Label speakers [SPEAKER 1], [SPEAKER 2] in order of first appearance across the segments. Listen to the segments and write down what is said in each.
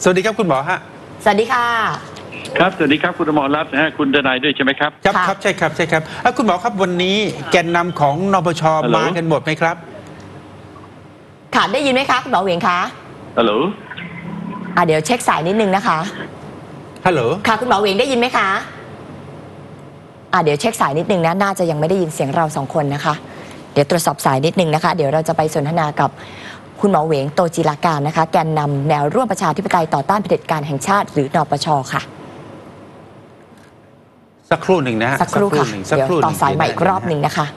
[SPEAKER 1] สวัสดีครับคุณหมอฮะ
[SPEAKER 2] สวัสดีค่ะ
[SPEAKER 3] ครับสวัสดีครับคุณอมรรัตน์นะฮะคุณดนายด้วยใช่ไหมครับ
[SPEAKER 1] ครับใช่ครับคุณหมอครับวันนี้แกนนำของนปชมากันหมดไหมครับ
[SPEAKER 2] ค่ะได้ยินไหมคะคุณหมอเหวียงคะ
[SPEAKER 3] ฮัลโหล
[SPEAKER 2] เดี๋ยวเช็คสายนิดนึงนะคะ
[SPEAKER 1] ฮัลโหล
[SPEAKER 2] ค่ะคุณหมอเหวียงได้ยินไหมคะเดี๋ยวเช็คสายนิดนึงนะน่าจะยังไม่ได้ยินเสียงเรา2คนนะคะเดี๋ยวตรวจสอบสายนิดนึงนะคะเดี๋ยวเราจะไปสนทนากับคุณหมอเหวงโตจิราการนะคะแกนนำแนวร่วมประชาธิปไตยต่อต้านเผด็จการแห่งชาติหรือนปชค่ะ
[SPEAKER 1] สักครู่หนึ่งนะ
[SPEAKER 2] สักครู่ค่ะเดี๋ยวต่อสายใหม่อีกรอบหนึ่งนะคะ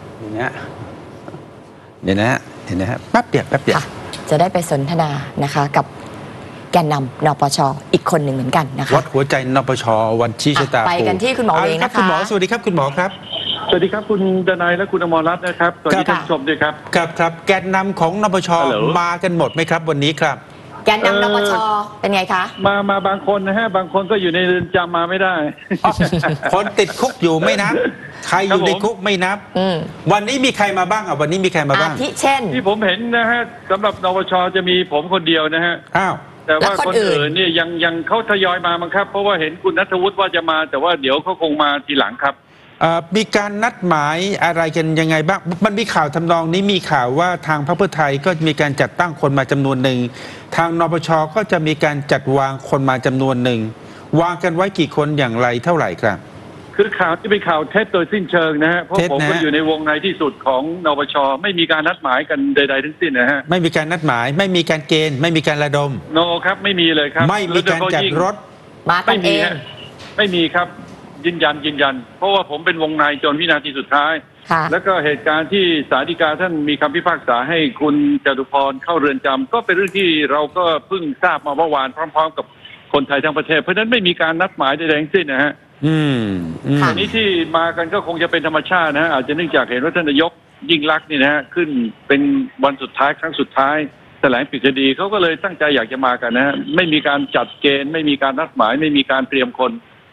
[SPEAKER 1] เดี๋ยวนะฮะแป๊บเดียว
[SPEAKER 2] จะได้ไปสนทนานะคะกับแกนนำนปชอีกคนหนึ่งเหมือนกันนะคะ
[SPEAKER 1] วัดหัวใจนปชวันชี้ชะตา
[SPEAKER 2] ไปกันที่คุณหมอเหวงนะคะ
[SPEAKER 1] คุณหมอสวัสดีครับคุณหมอครับ
[SPEAKER 3] สวัสดีครับคุณดนายและคุณอมรรัตน์นะครับสวัสดีท่านผู้ชมด้วยครับ
[SPEAKER 1] ครับแกนนำของนปชมากันหมดไหมครับวันนี้ครับ
[SPEAKER 2] แกนนำนปชเป็นไงคะ
[SPEAKER 3] มาบางคนนะฮะบางคนก็อยู่ในเรือนจำมาไม่ได้
[SPEAKER 1] คนติดคุกอยู่ไม่นับใครอยู่ในคุกไม่นับวันนี้มีใครมาบ้างวันนี้มีใครมาบ้าง
[SPEAKER 2] ที่เช่น
[SPEAKER 3] ที่ผมเห็นนะฮะสำหรับนปชจะมีผมคนเดียวนะฮะแต่ว่าคนอื่นเนี่ยยังเขาทยอยมามั้งครับเพราะว่าเห็นคุณณัฐวุฒิว่าจะมาแต่ว่าเดี๋ยวเขาคงมาทีหลังครับ
[SPEAKER 1] มีการนัดหมายอะไรกันยังไงบ้างมันมีข่าวทำนองนี้มีข่าวว่าทางพรรคเพื่อไทยก็มีการจัดตั้งคนมาจำนวนหนึ่งทางนปชก็จะมีการจัดวางคนมาจำนวนหนึ่งวางกันไว้กี่คนอย่างไรเท่าไหร่ครับ
[SPEAKER 3] คือข่าวที่เป็นข่าวเท็จโดยสิ้นเชิงนะฮะเพราะผมก็อยู่ในวงในที่สุดของนปชไม่มีการนัดหมายกันใดๆทั้งสิ้นนะฮะ
[SPEAKER 1] ไม่มีการนัดหมายไม่มีการเกณฑ์ไม่มีการระดม
[SPEAKER 3] โนครับไม่มีเลยครับ
[SPEAKER 1] ไม่มีการจัดรถ
[SPEAKER 2] มากันเอง
[SPEAKER 3] ไม่มีครับยืนยันเพราะว่าผมเป็นวงในจนวินาทีสุดท้ายแล้วก็เหตุการณ์ที่ศาลฎีกาท่านมีคำพิพากษาให้คุณจตุพรเข้าเรือนจำก็เป็นเรื่องที่เราก็เพิ่งทราบมาเมื่อวานพร้อมๆกับคนไทยทั้งประเทศเพราะฉะนั้นไม่มีการนัดหมายใดๆทั้งสิ้นนะฮะอันนี้ที่มากันก็คงจะเป็นธรรมชาตินะอาจจะเนื่องจากเห็นว่าท่านนายกยิ่งลักษณ์นี่นะฮะขึ้นเป็นวันสุดท้ายครั้งสุดท้ายแถลงปิดคดีเขาก็เลยตั้งใจอยากจะมากันนะฮะไม่มีการจัดเกณฑ์ไม่มีการนัดหมายไม่มีการเตรียมคน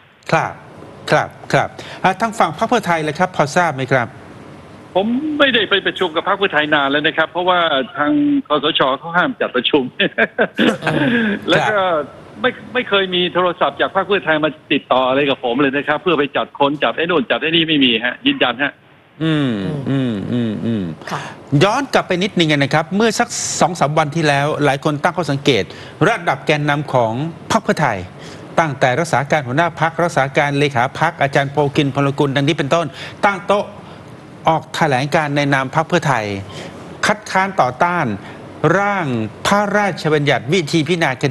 [SPEAKER 1] ครับทางฝั่งพรรคเพื่อไทยเลยครับพอทราบไหมครับ
[SPEAKER 3] ผมไม่ได้ไปประชุมกับพรรคเพื่อไทยนานแล้วนะครับเพราะว่าทางคสช.เขาห้ามจัดประชุม แล้วก็ไม่เคยมีโทรศัพท์จากพรรคเพื่อไทยมาติดต่ออะไรกับผมเลยนะครับเพื่อไปจัดคนจัดไอ้โน่นจัดไอ้นี่ไม่มีฮะยืนยันฮะ
[SPEAKER 1] ย้อนกลับไปนิดนึงนะครับเมื่อสัก 2-3 วันที่แล้วหลายคนตั้งข้อสังเกตระดับแกนนำของพรรคเพื่อไทยตั้งแต่รักษาการหัวหน้าพรรครักษาการเลขาพรรคอาจารย์โพคินพลกุลดังนี้เป็นต้นตั้งโต๊ะออกแถลงการในนามพรรคเพื่อไทยคัดค้านต่อต้านร่างพระราชบัญญัติวิธีพิจารณาค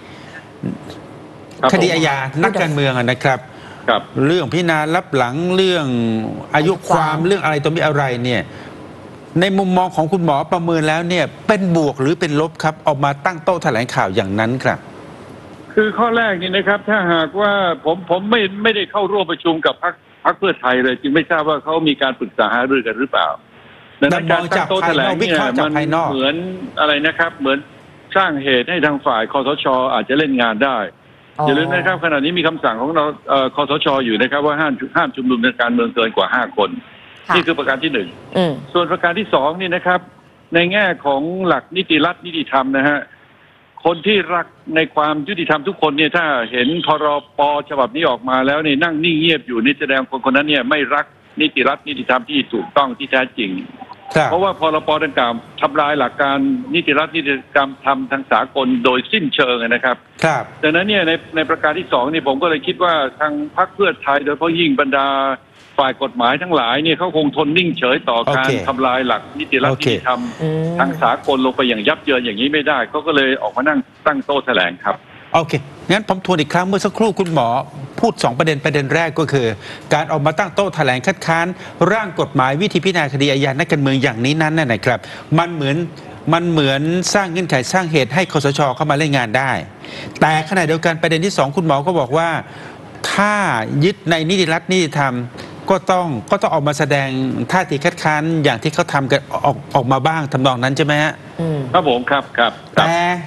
[SPEAKER 1] ดีอาญานักการเมืองนะครับเรื่องพิจารณาลับหลังเรื่องอายุความเรื่องอะไรตัวมีอะไรเนี่ยในมุมมองของคุณหมอประเมินแล้วเนี่ยเป็นบวกหรือเป็นลบครับออกมาตั้งโต๊ะแถลงข่าวอย่างนั้นครับ
[SPEAKER 3] คือข้อแรกนี่นะครับถ้าหากว่าผมไม่ได้เข้าร่วมประชุมกับพรรคเพื่อไทยเลยจึงไม่ทราบว่าเขามีการปรึกษาหารือกันหรือเปล่าในการตั้งโต๊ะแถลงเนี่ยมันเหมือนอะไรนะครับเหมือนสร้างเหตุให้ทางฝ่ายคสช.อาจจะเล่นงานได้อย่าลืมนะครับขณะนี้มีคำสั่งของเราคสช.อยู่นะครับว่าห้ามชุมนุมในการเมืองเกินกว่า5 คนนี่คือประการที่1ส่วนประการที่2นี่นะครับในแง่ของหลักนิติรัฐนิติธรรมนะฮะคนที่รักในความยุติธรรมทุกคนเนี่ยถ้าเห็นพรป.ฉบับนี้ออกมาแล้วเนี่ยนั่งนิ่งเงียบอยู่นี่แสดงคนนั้นเนี่ยไม่รักนิติรัฐนิติธรรมที่ถูกต้องที่แท้จริงเพราะว่าพรป.ดังกล่าวทำลายหลักการนิติรัฐนิติธรรมทำทางสากลโดยสิ้นเชิงนะครับดังนั้นเนี่ยในประการที่2นี่ผมก็เลยคิดว่าทางพรรคเพื่อไทยโดยเฉพาะยิ่งบรรดาฝ่ายกฎหมายทั้งหลายเนี่ยเขาคงทนนิ่งเฉยต่อการทำลายหลักนิติรัฐนิติธรรมทางสากลลงไปอย่างยับเยินอย่างนี้ไม่ได้เขาก็เลยออกมานั่งตั้งโต๊ะแถลงครับ
[SPEAKER 1] โอเคงั้นผมทวนอีกครั้งเมื่อสักครู่คุณหมอพูด2ประเด็นแรกก็คือการออกมาตั้งโต๊ะแถลงคัดค้านร่างกฎหมายวิธีพิจารณาคดีอาญานักการเมืองอย่างนี้นั้นนะครับมันเหมือนสร้างเงื่อนไขสร้างเหตุให้คสช.เข้ามาเล่นงานได้แต่ขณะเดียวกันประเด็นที่2คุณหมอก็บอกว่าถ้ายึดในนิติรัฐนิติธรรมก็ต้องออกมาแสดงท่าทีคัดค้านอย่างที่เขาทำกันออกมาบ้างทำนองนั้นใช่ไหมฮะ
[SPEAKER 3] ครับผมครับ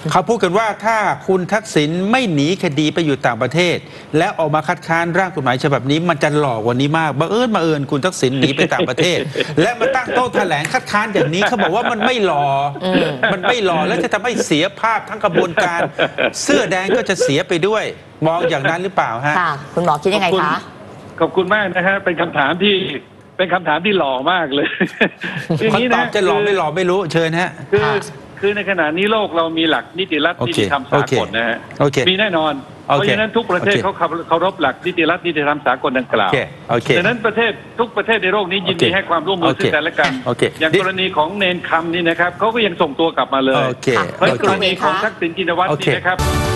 [SPEAKER 1] เขาพูดกันว่าถ้าคุณทักษิณไม่หนีคดีไปอยู่ต่างประเทศ และออกมาคัดค้านร่างกฎหมายฉบับนี้มันจะหลอกกว่านี้มากบังเอิญคุณทักษิณหนีไปต่างประเทศ และมาตั้งโต๊ะแถลงคัดค้านอย่างนี้เขาบอกว่ามันไม่หล่อมันไม่หล่อแล้วจะทำให้เสียภาพทั้งกระบวนการ เสื้อแดงก็จะเสียไปด้วยมองอย่างนั้นหรือเปล่าฮะ
[SPEAKER 2] ค่ะ คุณหมอคิดยังไงคะ
[SPEAKER 3] ขอบคุณมากนะฮะเป็นคำถามที่หล่อมากเลย
[SPEAKER 1] เขาตอบจะหล่อไม่หล่อไม่รู้เชิญฮะ
[SPEAKER 3] คือในขณะนี้โลกเรามีหลักนิติรัฐ
[SPEAKER 1] โอ
[SPEAKER 3] นิ
[SPEAKER 1] เค
[SPEAKER 3] ติธรรมสากลนะฮะ
[SPEAKER 1] โอเค
[SPEAKER 3] มีแน่นอน
[SPEAKER 1] โอเค
[SPEAKER 3] เพราะฉะนั้นทุกประเทศ
[SPEAKER 1] โอเค
[SPEAKER 3] เขาเคารพหลักนิติรัฐนิติธรรมสากลดังกล่าว
[SPEAKER 1] โอเค
[SPEAKER 3] ดังนั้นทุกประเทศในโลกนี้ยินดี
[SPEAKER 1] โอเค
[SPEAKER 3] ให้ความร่วมมือ
[SPEAKER 1] โอเค
[SPEAKER 3] ซึ่งกันและกัน
[SPEAKER 1] โอเค
[SPEAKER 3] อย่างกรณีของเนนคำนี่นะครับเขาก็ยังส่งตัวกลับมาเลย
[SPEAKER 1] โอเค
[SPEAKER 3] เพราะกรณีของ
[SPEAKER 2] ค่ะ
[SPEAKER 3] ทักษิณชินวัตร
[SPEAKER 1] โอเค
[SPEAKER 3] นี่นะครับ